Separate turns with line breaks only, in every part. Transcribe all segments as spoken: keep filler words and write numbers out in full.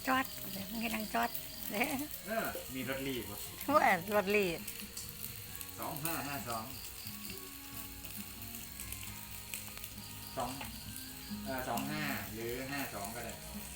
จอดไม่นั่งจอดเด้อ
เออมีรถรีบ
ว่ารถลีด
สองห้าห้าสองสองเออสองห้าหรือห้าสองก็ได้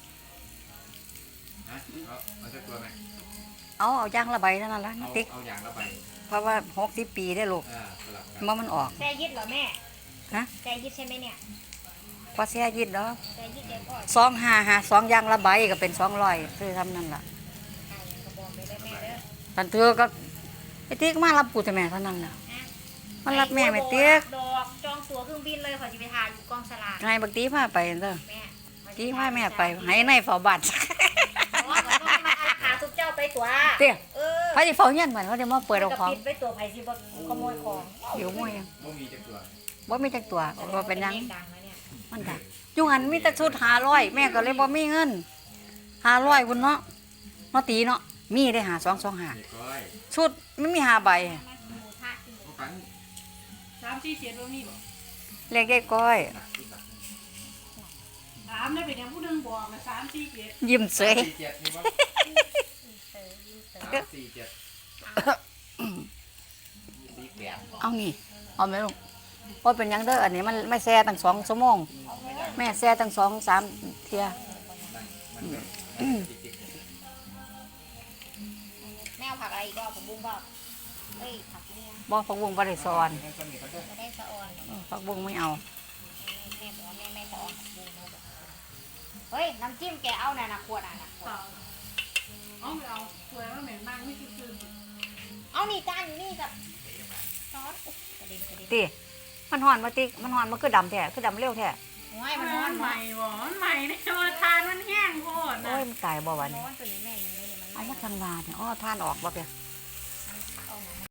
ฮะเอาเอาสักตัวไหม
เอาเอายางระบายเท่านั้นละ
เอา
ติ๊ก
เอาอย่างละใบ
เพราะว่าหกสิบปีได้ลูก
อ่าสลับกัน
เมื่อมันออก
แซ่ยิดเหรอแม่
ฮะ
แซ่ยิดใช่ไหมเนี่ย
พอเสียยิดเนาะ
แซ่ยิดเด็กอ่อน
สองห้าห้าสองยางระบายก็เป็นสองร้อยซื้อทำนั่นล่ะ
ไอ้กระบอกไปได้แม่เด้อ
ตันเธอก็ไอ้ติ๊กมารับกูแต่แม่เท่านั้นน่ะ
นะ
มันรับแม่ไม่ติ๊ก
ดอกจองตั๋วเครื่องบินเลยขอจะไปถ่ายอยู่กองสลาก
ไงบักตีพาไปเด้อ
แม่
ตีพาแม่ไปให้ในเฝ้าบัตร
เพราะว่ามันต้องมาอาขาทุกเจ้าไปตั๋ว
เตี้ย
เออ
พระจะเฝ้าเงี้ยนเหมือนเขาจะมาเปิดเอาของ
ปิดไปตั๋วไผ่สิบขโมยของ
เดี๋ยวมั่วยัง
บ่มีจักตัว
บ่มีจักตัวบ่เป็นหยัง
ลขดังนะเนี่ย
มันดักอยุหันมีแต่ชุดห้าร้อยแม่ก็เลยบ่มีเงินห้าร้อยคุณเนาะเนาะตีเนาะมีได้หาสองสองหา
เด็กก้อย
ชุดไม่มีห้าใบ
มากินหมูทะกินหมู
พวกกัน
สามสี่เจ็ดว่ามีบ่
เรียกยายก้อย
หนักที่หนัก
ถามได้เป็นอย่างผู้หนึงบอกมาสามสี่เจ็ด
ยิ้มเสย
สามสี่เจ็ดมีบ่
เตอร์ยิงเตอร์
สามสี่เจ็ดสี่แปด
เอานี่เอาไหมลูกว่าเป็นหยังเด้ออันนี้มันไม่แซ่ตั้งสองชั่วโมงแม่แซ่ตั้งสองสามเทีย
มันเป็นจิ๊ก
แมวผักอะไรอีก็ผมบุ้งบอกเอ้ยผักเนี่ย
บ่ผักบุ้งบ่ได้สอน
ๆให้คนนี้เขาเด้อ
ไม่ได้สะออน
เออผักบุ้งไม่เอา
แม่บอกว่าแม่ไม่สะออนผักบุ้งนะเฮ้ยน้ำจิ้มแกเอาน่ะนะขวดอ่ะนะขวด
เปล่าเอาไม่เอาสวยว่าเหม็นมากไม่คือคืน
เอานี่จานอยู่นี่กับซอสอุ๊ยกระเด็นกระเด็น
ตีมันหอนมาติ๊กมันหอนมันคือดำแท้คือดำเร็วแท้
โอ้ย
มั
มัน
น
ร้อน
ให
ใหม่
ม่บ่มันใหม่เนี่ยมาทานมันแห้งโคตร
โอ้
นะ
ยมันตายบ่วัน
ร้
นี้
อนตัวนี้แม่ยังไม่เนี่ยมัน
เอามาทางลาเนี่ยอ้อท่านออกบ่เปีย
เอาหนัง